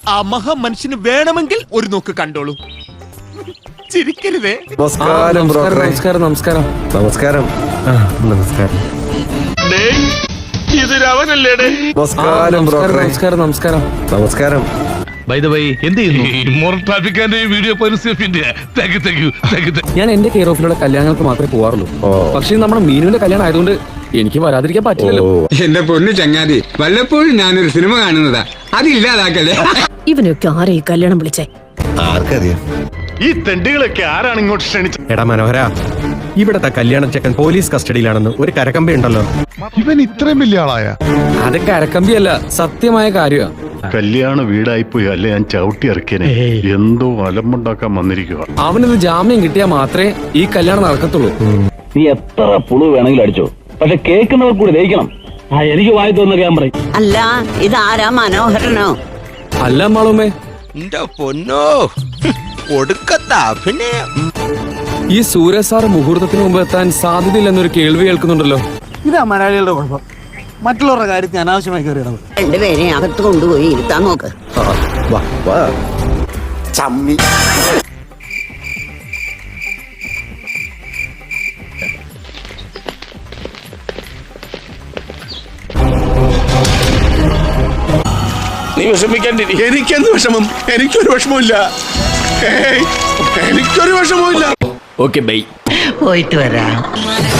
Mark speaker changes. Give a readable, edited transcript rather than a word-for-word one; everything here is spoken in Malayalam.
Speaker 1: ആ മഹാമനുഷ്യന് വേണമെങ്കിൽ ഒരു നോക്ക് കണ്ടോളൂ. ചിരിക്കരുതേ.
Speaker 2: നമസ്കാരം ബ്രോക്കറെ.
Speaker 3: നമസ്കാരം.
Speaker 2: നമസ്കാരം. നമസ്കാരം.
Speaker 1: ഇത് രാവണല്ലേടേ?
Speaker 2: നമസ്കാരം ബ്രോക്കറെ.
Speaker 3: നമസ്കാരം.
Speaker 2: നമസ്കാരം.
Speaker 4: ബൈ ദ വൈ എന്ത് ചെയ്യുന്നു?
Speaker 3: ഞാൻ എന്റെ കെയർ ഓഫിലുള്ള കല്യാണങ്ങൾക്ക് മാത്രമേ പോവാറുള്ളൂ. പക്ഷേ നമ്മുടെ മീനുവിന്റെ കല്യാണം ആയതുകൊണ്ട് എനിക്ക് വരാതിരിക്കാൻ പറ്റില്ലല്ലോ.
Speaker 5: എന്റെ പൊന്നു ചങ്ങാതി, വല്ലപ്പോഴും ഞാനൊരു സിനിമ കാണുന്നതാ, അതില്ലാതാക്കല്ലേ.
Speaker 6: ഇവനൊക്കെ ആരെ ഈ കല്യാണം വിളിച്ചേ?
Speaker 2: ആർക്കറിയാം?
Speaker 1: ഈ തെണ്ടികളൊക്കെ ആരാണ് ഇങ്ങോട്ട് ക്ഷണിച്ചത്?
Speaker 7: എടാ മനോഹര, ഇവിടത്തെ കല്യാണ ചെക്കൻ പോലീസ് കസ്റ്റഡിയിലാണെന്ന് ഒരു കരക്കമ്പി ഉണ്ടല്ലോ.
Speaker 8: ഇവൻ ഇത്രയും വലിയ ആളായ?
Speaker 3: അത് കരക്കമ്പിയല്ല, സത്യമായ കാര്യമാണ്.
Speaker 8: കല്യാണ വീടായിപ്പോയി അല്ലെ ഞാൻ ചവിട്ടി ഇറക്കിയനെ. എന്തോ അലമ്പുണ്ടാക്കാൻ വന്നിരിക്കുക.
Speaker 3: അവനൊരു ജാമ്യം കിട്ടിയാൽ മാത്രമേ ഈ കല്യാണം നടക്കത്തുള്ളൂ.
Speaker 9: നീ എത്ര പുളു വേണമെങ്കിലും അടിച്ചോ, പക്ഷെ കേൾക്കുന്നവർ കൂടി ദഹിക്കണം. എനിക്ക് വായി തോന്നുന്ന ഞാൻ പറയും.
Speaker 6: അല്ല, ഇതാരാ മനോഹരനോ?
Speaker 3: അല്ല മാളുമേ,
Speaker 1: പൊന്നോ ഒടുക്കത്താ. പിന്നെ
Speaker 3: ഈ സൂര്യ സാർ മുഹൂർത്തത്തിന് മുമ്പ് എത്താൻ സാധ്യതയില്ലെന്നൊരു കേൾവി കേൾക്കുന്നുണ്ടല്ലോ.
Speaker 10: ഇതാ മലയാളികളുടെ കുഴപ്പം. മറ്റുള്ളവരുടെ കാര്യത്തിൽ അനാവശ്യമായി കയറിയിടണം.
Speaker 6: രണ്ടുപേരെ അകത്ത് കൊണ്ടുപോയി ഇരുത്താൻ നോക്ക്.
Speaker 1: ചമ്മി. നീ വിഷമിക്കാണ്ടി. എനിക്കെന്ത് വിഷമം? എനിക്കൊരു വിഷമമില്ല. എനിക്കൊരു വിഷമമില്ല.
Speaker 3: Okay bye.
Speaker 6: പോയിട്ട് വരാം.